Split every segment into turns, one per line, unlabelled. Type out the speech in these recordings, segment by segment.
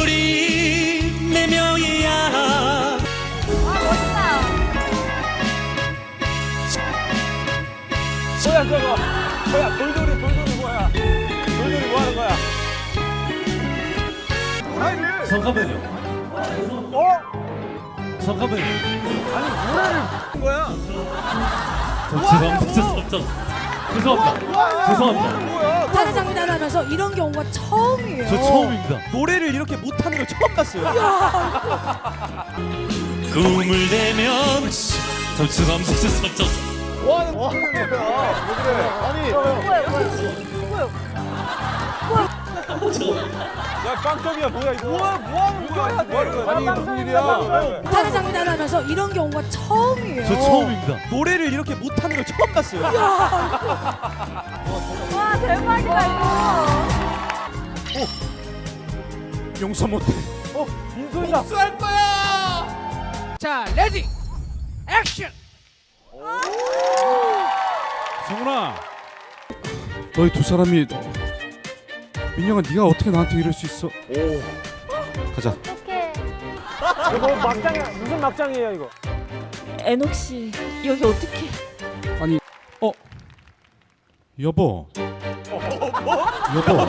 돌돌이 내 명이야.
뭐야 저거? 뭐야 돌돌이 뭐야? 돌돌이 뭐 하는 거야?
잠깐만요. 잠깐만요.
아니 노래를 부른 거야?
죄송합니다.
못하는 장면 하나 하면서 이런 경우가 처음이에요.
저 처음입니다.
노래를 이렇게 못하는 걸 처음 봤어요.
꿈을 대면 죄송합니다.
뭐 하는 거야? 왜 그래? 아니 야 깜짝이야 뭐야 이거? 뭐 하는 거야? 아니 무슨 일이야?
못하는 장면 하나 하면서 이런 경우가 처음이에요.
저 처음입니다.
노래를 이렇게 못하는 걸 처음 봤어요.
와 대박이다 이거.
용서 못해.
민소이다.
복수할 거야. 자, 레디, 액션.
성훈아, 너희 두 사람이 민영아, 네가 어떻게 나한테 이럴 수 있어? 가자.
어떡해.
이거 막장이야. 무슨 막장이에요 이거?
애녹 씨 여기 어떡해.
아니, 여보. 여보.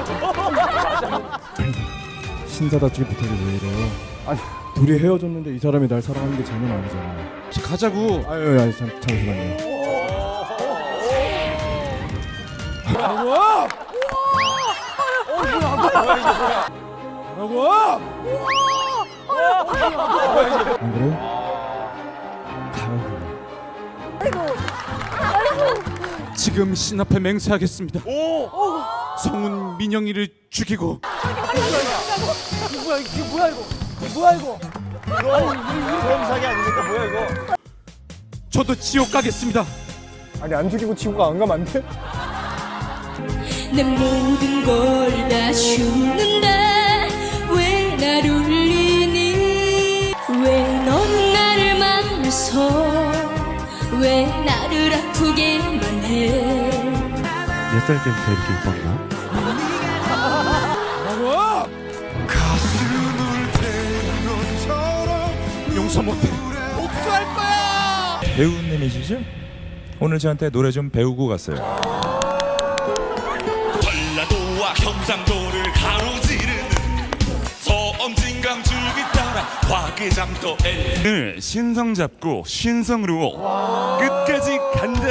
신사답지게 부탁이 왜 이래요? 아니 둘이 헤어졌는데 이 사람이 날 사랑하는 게 장난 아니잖아요.
가자고.
아유 잠시만요. 안 그래요? 가요.
지금 신 앞에 맹세하겠습니다. 성훈 민영이를 죽이고
사기 아닙니까? 뭐야 이거?
저도 지옥 가겠습니다.
아니 안 죽이고 친구가 안 가면 안 돼?
내 모든 걸 다 주는데 왜 날 울리니 왜 너는 나를 만나서 왜 나를 아프게만 해
몇 살 때부터 이렇게 이뻤나?
용서 못해.
복수할 거야.
배우님이시죠? 오늘 저한테 노래 좀 배우고 갔어요.
전라도와 경상도를 가로지르는 서엄진강 줄기 따라 화개장터 신성 잡고 신성으로 끝까지 간다.